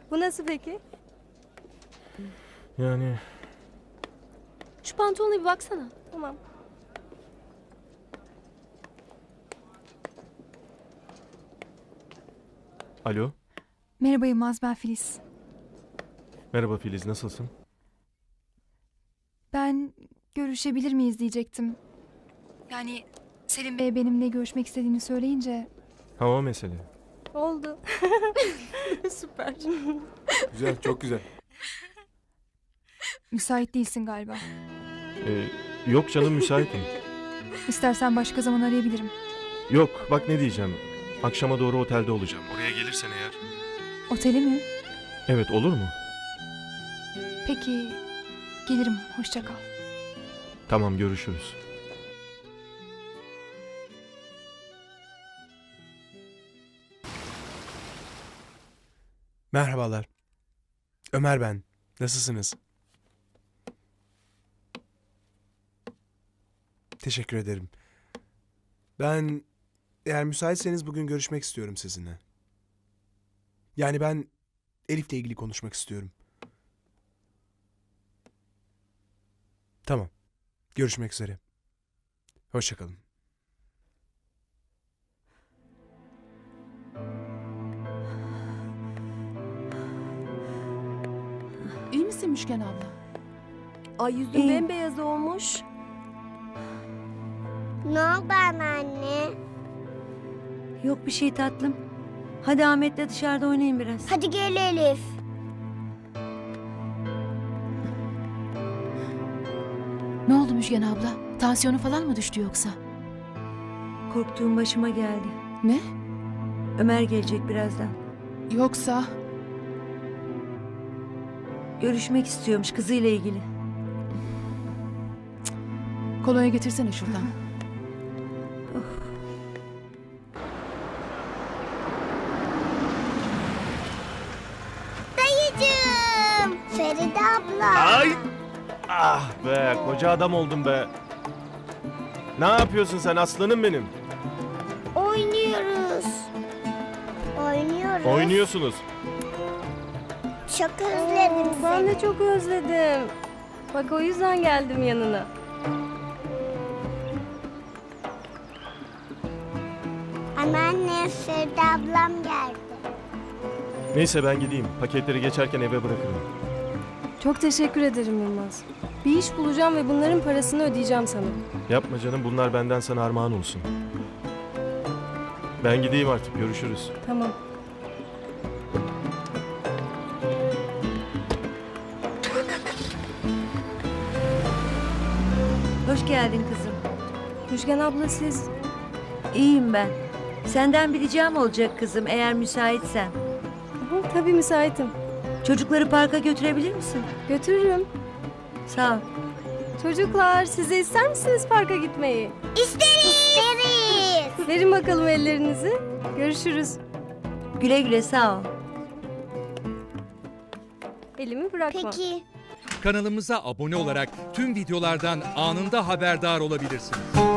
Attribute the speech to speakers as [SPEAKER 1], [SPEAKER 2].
[SPEAKER 1] Bu nasıl peki?
[SPEAKER 2] Yani
[SPEAKER 1] Şu pantolona bir baksana. Tamam.
[SPEAKER 2] alo.
[SPEAKER 3] Merhaba Yılmaz, ben Filiz.
[SPEAKER 2] Merhaba Filiz, nasılsın?
[SPEAKER 3] Ben görüşebilir miyiz diyecektim. Yani Selim Bey benimle görüşmek istediğini söyleyince...
[SPEAKER 2] Hava mesele.
[SPEAKER 1] Oldu. Süper.
[SPEAKER 4] Güzel, çok güzel.
[SPEAKER 3] Müsait değilsin galiba.
[SPEAKER 2] Yok canım, müsaitim.
[SPEAKER 3] İstersen başka zaman arayabilirim.
[SPEAKER 2] Yok, bak ne diyeceğim. Akşama doğru otelde olacağım. Oraya gelirsen eğer.
[SPEAKER 3] Oteli mi?
[SPEAKER 2] Evet, olur mu?
[SPEAKER 3] Peki, gelirim. Hoşça kal.
[SPEAKER 2] Tamam, görüşürüz.
[SPEAKER 4] Merhabalar. Ömer ben. Nasılsınız? Teşekkür ederim. Ben eğer müsaitseniz bugün görüşmek istiyorum sizinle. Yani ben Elif'le ilgili konuşmak istiyorum. Tamam. Görüşmek üzere. Hoşça kalın.
[SPEAKER 5] İyi misin Müşken abla?
[SPEAKER 1] Ay yüzün bembeyaz olmuş.
[SPEAKER 6] Ne oldu anneanne?
[SPEAKER 7] Yok bir şey tatlım. Hadi Ahmet'le dışarıda oynayın biraz.
[SPEAKER 6] Hadi gel Elif.
[SPEAKER 5] Ne oldu Müşken abla? Tansiyonu falan mı düştü yoksa?
[SPEAKER 7] Korktuğum başıma geldi.
[SPEAKER 5] Ne?
[SPEAKER 7] Ömer gelecek birazdan.
[SPEAKER 5] Yoksa...
[SPEAKER 7] Görüşmek istiyormuş kızıyla ilgili.
[SPEAKER 5] Kolonya getirsene şuradan.
[SPEAKER 6] Dayıcığım. Feride abla.
[SPEAKER 2] Ay! Ah be, koca adam oldum be. Ne yapıyorsun sen aslanım benim?
[SPEAKER 6] Oynuyoruz. Oynuyoruz.
[SPEAKER 2] Oynuyorsunuz.
[SPEAKER 6] Çok özledim
[SPEAKER 1] Ben
[SPEAKER 6] seni.
[SPEAKER 1] de çok özledim. Bak o yüzden geldim yanına.
[SPEAKER 6] Anneanne Feride ablam geldi.
[SPEAKER 2] Neyse ben gideyim. Paketleri geçerken eve bırakırım.
[SPEAKER 1] Çok teşekkür ederim Yılmaz. Bir iş bulacağım ve bunların parasını ödeyeceğim sana.
[SPEAKER 2] Yapma canım, bunlar benden sana armağan olsun. Ben gideyim artık, görüşürüz.
[SPEAKER 1] Tamam.
[SPEAKER 7] Hoş geldin kızım.
[SPEAKER 1] Müjgan abla siz...
[SPEAKER 7] İyiyim ben. Senden bir ricam olacak kızım eğer müsaitsen.
[SPEAKER 1] Hı, tabii müsaitim.
[SPEAKER 7] Çocukları parka götürebilir misin?
[SPEAKER 1] Götürürüm.
[SPEAKER 7] Sağ ol.
[SPEAKER 1] Çocuklar siz de ister misiniz parka gitmeyi?
[SPEAKER 6] İsteriz.
[SPEAKER 1] Verin bakalım ellerinizi. Görüşürüz.
[SPEAKER 7] Güle güle sağ ol.
[SPEAKER 1] Elimi bırakma.
[SPEAKER 6] Peki.
[SPEAKER 8] Kanalımıza abone olarak tüm videolardan anında haberdar olabilirsiniz.